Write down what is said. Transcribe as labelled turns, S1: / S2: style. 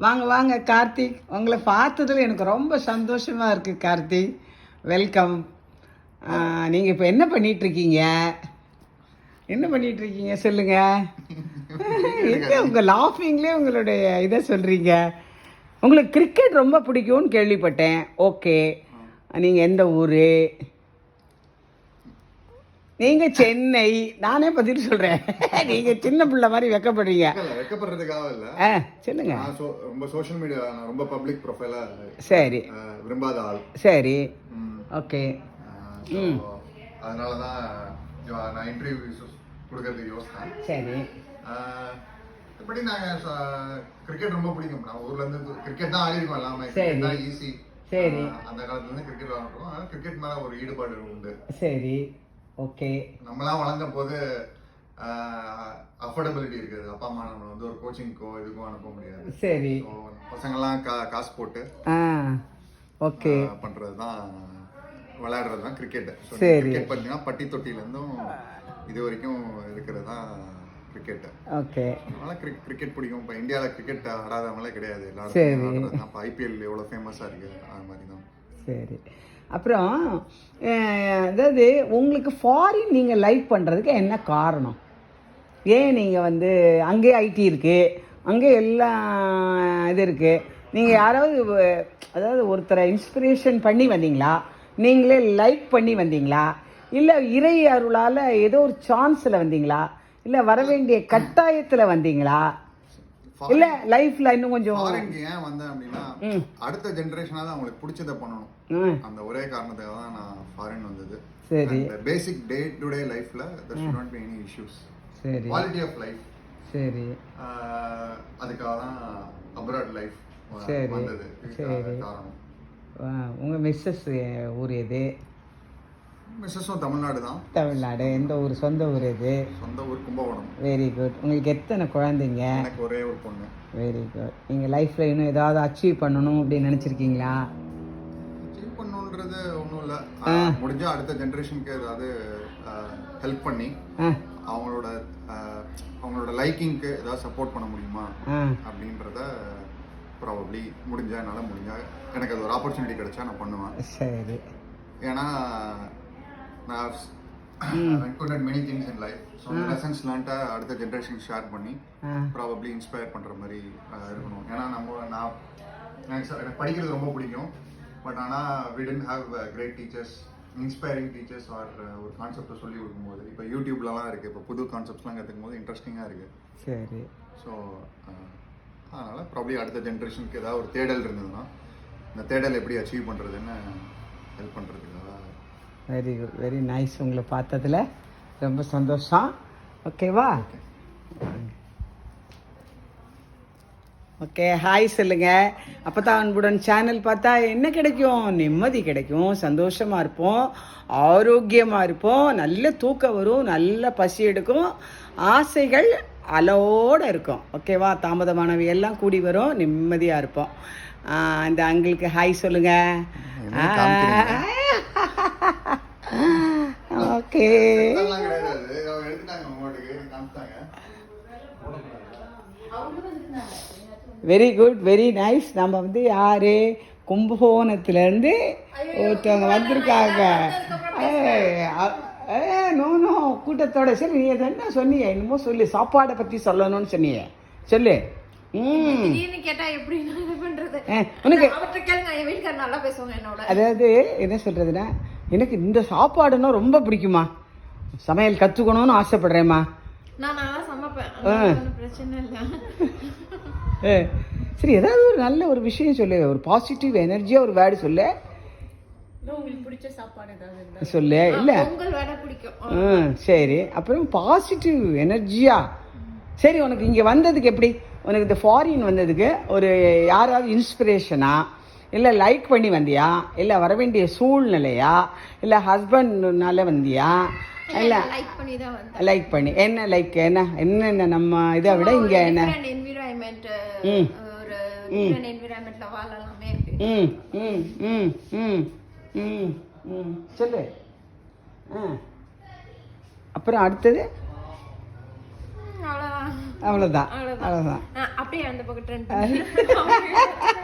S1: வாங்க வாங்க கார்த்திக், உங்களை பார்த்ததில் எனக்கு ரொம்ப சந்தோஷமாக இருக்குது கார்த்திக். வெல்கம். நீங்கள் இப்போ என்ன பண்ணிகிட்ருக்கீங்க? என்ன பண்ணிகிட்ருக்கீங்க சொல்லுங்கள். எங்கே உங்கள் லாஃபிங்லேயே உங்களுடைய இதை சொல்கிறீங்க. உங்களுக்கு கிரிக்கெட் ரொம்ப பிடிக்கும்னு கேள்விப்பட்டேன். ஓகே, நீங்கள் எந்த ஊர்? நீங்கள் சென்னை. நானே பதில் சொல்கிறேன். நீங்கள் சின்ன பிள்ளை மாதிரி வெக்கப்படுறீங்க.
S2: வெக்கப்படுறதுக்காக இல்லை.
S1: சொல்லுங்க.
S2: ரொம்ப சோஷியல் மீடியா ரொம்ப பப்ளிக் ப்ரொஃபைலா. சரி, விரும்பாத ஆள்.
S1: சரி, ஓகே.
S2: அதனால தான் நான் இன்டர்வியூ கொடுக்கறதுக்கு யோசித்தேன்.
S1: சரி.
S2: எப்படி நாங்கள் கிரிக்கெட் ரொம்ப பிடிக்கும். நான் ஊர்ல இருந்து கிரிக்கெட் தான் ஆடிருக்கோம் எல்லாமே. கிரிக்கெட் தான் ஈஸி. சரி. அந்த காலத்துல இருந்து கிரிக்கெட் விளாண்டுருக்கோம். அதனால கிரிக்கெட் மேல ஒரு ஈடுபாடு உண்டு.
S1: சரி, ஓகே.
S2: நம்மளாம் வளர்ந்த போது அஃபோர்டபிலிட்டி இருக்குது. அப்பா அம்மா நம்ம வந்து ஒரு கோச்சிங்க்கோ இதுக்கோ அனுப்ப முடியாது.
S1: சரி.
S2: பசங்கள்லாம் காசு போட்டு
S1: ஓகே
S2: பண்றது தான், விளையாடுறது தான் கிரிக்கெட்.
S1: சரி.
S2: கிரிக்கெட் பார்த்தீங்கன்னா பட்டி தொட்டிலேருந்தும் இது வரைக்கும் இருக்கிறது தான் கிரிக்கெட்.
S1: ஓகே.
S2: அதனால கிரிக்கெட் பிடிக்கும். இப்போ இந்தியாவில் கிரிக்கெட் ஆடாதவங்களே கிடையாது. எல்லாரும் இப்போ ஐபிஎல் எவ்வளோ ஃபேமஸாக இருக்குது, அது மாதிரி தான்.
S1: சரி. அப்புறம் அதாவது உங்களுக்கு ஃபாரின் நீங்கள் லைக் பண்ணுறதுக்கு என்ன காரணம்? ஏன் நீங்கள் வந்து அங்கே ஐடி இருக்குது, அங்கே எல்லாம் இது இருக்குது, நீங்கள் யாராவது அதாவது ஒருத்தரை இன்ஸ்பிரேஷன் பண்ணி வந்தீங்களா, நீங்களே லைக் பண்ணி வந்தீங்களா, இல்லை இறை அருளால் ஏதோ ஒரு சான்ஸில் வந்தீங்களா, இல்லை வர வேண்டிய கட்டாயத்தில் வந்தீங்களா, இல்ல லைஃப்ல இன்னும் கொஞ்சம்
S2: ஏன் வந்தேன் அப்படின்னா அடுத்த ஜெனரேஷனால அவங்களுக்கு பிடிச்சதை பண்ணணும். அந்த ஒரே காரணத்துக்காக தான் நான் ஃபாரின் வந்தது. சரி. பேசிக் டே டு டே லைஃப்ல there should not be any issues. சரி. Quality of life. சரி. அதுக்காக தான் அப்ராட் லைஃப் வந்தது. சரி. காரணம்.
S1: உங்க மிஸ்ஸஸ் ஊர் எது?
S2: மிஸ்ஸஸும் தமிழ்நாடு தான்.
S1: தமிழ்நாடு. எந்த ஊர்? சொந்த ஊர் எது?
S2: சொந்த ஊர் கும்பகோணம்.
S1: Very good. உங்களுக்கு எத்தனை குழந்தைங்க?
S2: எனக்கு ஒரே ஒரு பொண்ணு.
S1: Very good. நீங்கள் லைஃப்பில் இன்னும் ஏதாவது அச்சீவ் பண்ணணும் அப்படின்னு நினச்சிருக்கீங்களா?
S2: அச்சீவ் பண்ணணுன்றது ஒன்றும் இல்லை. முடிஞ்சால் அடுத்த ஜென்ரேஷனுக்கு ஏதாவது ஹெல்ப் பண்ணி அவங்களோட லைக்கிங்க்கு ஏதாவது சப்போர்ட் பண்ண முடியுமா அப்படின்றத ப்ராபப்ளி என்னால் முடிஞ்சால் எனக்கு அது ஒரு ஆப்பர்ச்சுனிட்டி கிடைச்சா நான் பண்ணுவேன். சரி. ஏன்னா நான் encountered many things in life. So the lessons learned அடுத்த ஜெனரேஷன் ஷேர் பண்ணி ப்ராபப்ளி இன்ஸ்பயர் பண்ணுற மாதிரி இருக்கணும். ஏன்னா எனக்கு படிக்கிறது ரொம்ப பிடிக்கும். பட் ஆனால் we didn't have great teachers, inspiring teachers or ஒரு கான்செப்டை சொல்லி கொடுக்கும்போது இப்போ யூடியூப்லலாம் இருக்குது. இப்போ புது கான்செப்ட்ஸ்லாம் கற்றுக்கும் போது இன்ட்ரெஸ்டிங்காக இருக்குது. சரி. ஸோ அதனால் ப்ராபப்ளி அடுத்த ஜென்ரேஷனுக்கு ஏதாவது ஒரு தேடல் இருந்ததுன்னா இந்த தேடல் எப்படி அச்சீவ் பண்ணுறதுன்னு ஹெல்ப் பண்ணுறதுக்காக.
S1: Very good, very nice. உங்களை பார்த்ததில் ரொம்ப சந்தோஷம். ஓகேவா? ஓகே, ஹாய் சொல்லுங்க. அப்போ தான் அன்புடன் சேனல் பார்த்தா என்ன கிடைக்கும்? நிம்மதி கிடைக்கும், சந்தோஷமாக இருப்போம், ஆரோக்கியமாக இருப்போம், நல்ல தூக்கம் வரும், நல்ல பசி எடுக்கும், ஆசைகள் அலோடு இருக்கும். ஓகேவா? தாமதமானவை எல்லாம் கூடி வரும், நிம்மதியாக இருப்போம். இந்த அங்கிளுக்கு ஹாய் சொல்லுங்க. Okay, very good, very nice. நம்ம வந்து யாரு கும்பகோணத்துலேருந்து ஒருத்தவங்க வந்திருக்காங்க. நோ நோ கூட்டத்தோட. சரி, நீ என்ன சொன்னீங்க? என்னமோ சொல்லு, சாப்பாடை பற்றி சொல்லணும்னு சொன்னீங்க, சொல்லு. அதாவது என்ன சொல்றதுன்னா, எனக்கு இந்த சாப்பாடுன்னா ரொம்ப பிடிக்குமா, சமையல் கத்துக்கணும்னு ஆசைப்படுறேம்மா. சரி, ஏதாவது ஒரு நல்ல ஒரு விஷயம் சொல்லு, ஒரு பாசிட்டிவ் எனர்ஜியா ஒரு வேர்டு சொல்லு. சொல்லு. இல்ல சரி, அப்புறம் பாசிட்டிவ் எனர்ஜியா. சரி, உனக்கு இங்கே வந்ததுக்கு எப்படி, உனக்கு இந்த ஃபாரின் வந்ததுக்கு ஒரு யாராவது இன்ஸ்பிரேஷனா, இல்லை லைக் பண்ணி வந்தியா, இல்லை வர வேண்டிய சூழ்நிலையா, இல்லை ஹஸ்பண்ட்னால வந்தியா, இல்லை லைக் பண்ணி என்ன லைக் என்ன நம்ம இதை விட இங்கே என்ன சொல்லு. அப்புறம் அடுத்தது அவ்வளோதான்
S3: அவ்வளவுதான்.
S1: அவ்வளோதான்
S3: அப்படியே அந்த பக்கம் ட்ரெண்ட்